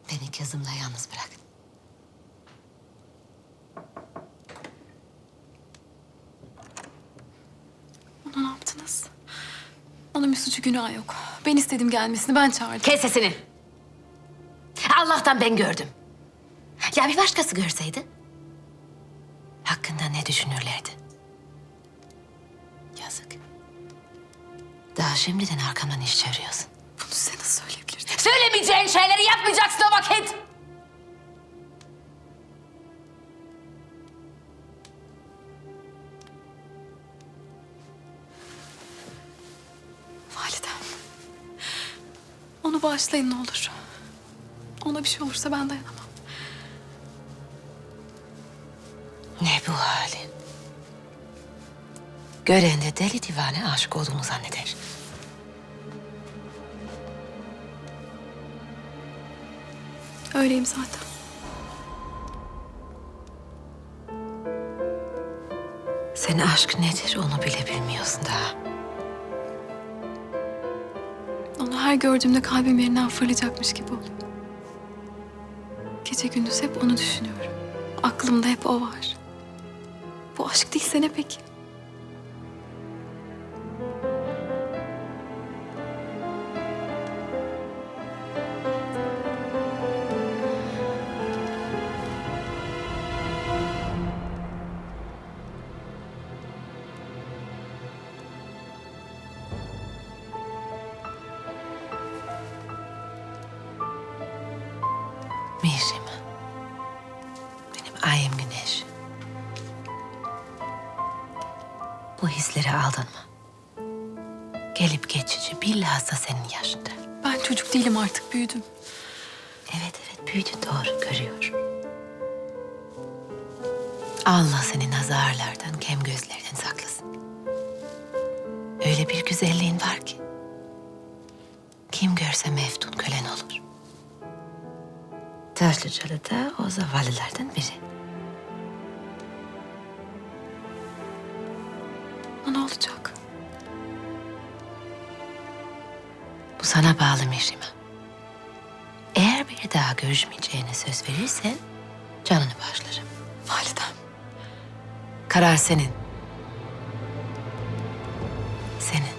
Beni kızımla yalnız bırak. Ona ne yaptınız? Onun bir suçu günahı yok. Ben istedim gelmesini, ben çağırdım. Kes sesini. Allah'tan ben gördüm. Ya bir başkası görseydi? Hakkında ne düşünürlerdi? Yazık. Daha şimdiden arkamdan iş çeviriyorsun. Bunu size nasıl söyleyebilirdim? Söylemeyeceğin şeyleri yapmayacaksın o vakit. Validem. Onu bağışlayın ne olur. Ona bir şey olursa ben dayanamam. Ne bu halin? Gören de deli divane aşık olduğunu zanneder. Öyleyim zaten. Sen aşk nedir onu bile bilmiyorsun daha. Onu her gördüğümde kalbim yerinden fırlayacakmış gibi oluyor. Gece gündüz hep onu düşünüyorum. Aklımda hep o var. Bu aşk değilse ne peki? Mihrim. Benim ayım güneş. Bu hislere aldanma. Gelip geçici bilhassa senin yaşında. Ben çocuk değilim artık, büyüdüm. Evet büyüdü doğru görüyor. Allah seni nazarlardan, kem gözlerden saklasın. Öyle bir güzelliğin var ki. Kim görse meftun kölen olur. Taşlıcalı da o zavallılardan biri. Ama ne olacak? Bu sana bağlı Mihrim'e. Eğer bir daha görüşmeyeceğine söz verirsen canını bağışlarım. Validem. Karar senin. Senin.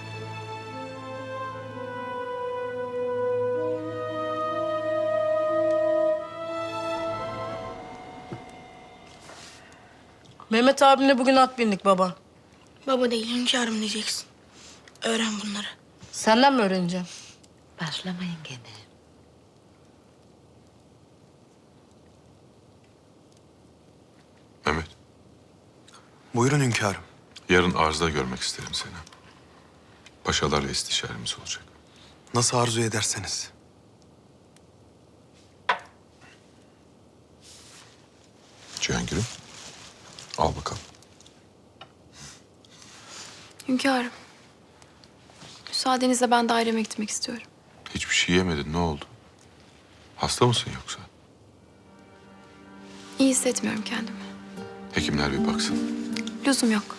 Mehmet abimle bugün at bindik baba. Baba değil, hünkârım diyeceksin. Öğren bunları. Senden mi öğreneceğim? Başlamayın gene. Mehmet, Buyurun hünkârım. yarın arzda görmek isterim seni. Paşalarla istişaremiz olacak. Nasıl arzu ederseniz. Cihangir'im, al bakalım. Hünkârım. Müsaadenizle ben daireme gitmek istiyorum. Hiçbir şey yemedin, ne oldu? Hasta mısın yoksa? İyi hissetmiyorum kendimi. Hekimler bir baksın. Lüzum yok.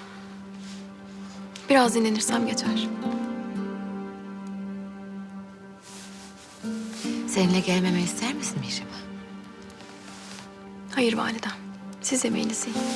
Biraz dinlenirsem geçer. Seninle gelmemi ister misin Mihrim'e? Hayır validem. Siz yemeğinizi yiyin.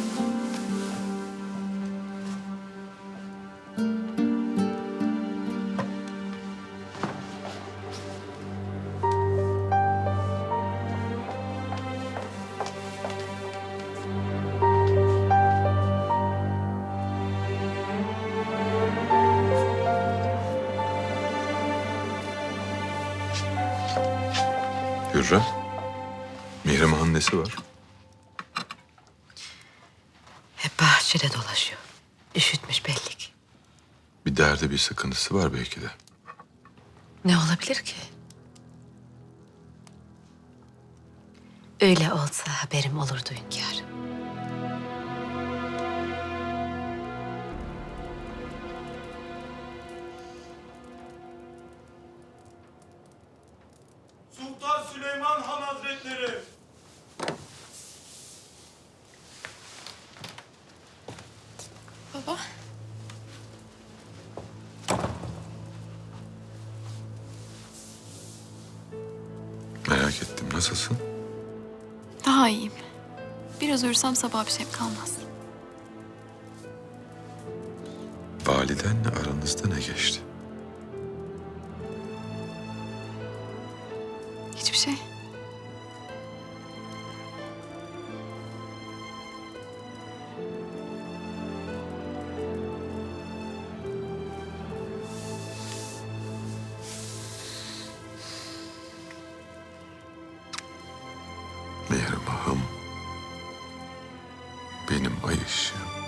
Hürrem, Mihrim Han'ın nesi var? Hep bahçede dolaşıyor. Üşütmüş belli ki. Bir derdi, bir sıkıntısı var belki de. Ne olabilir ki? Öyle olsa haberim olurdu hünkârım. Sultan Süleyman Han Hazretleri. Baba. Nasılsın? Daha iyiyim. Biraz uyursam sabah bir şeyim kalmaz. Validenle aranızda ne geçti? Hiçbir şey. Mihrimah'ım, benim ay ışığım.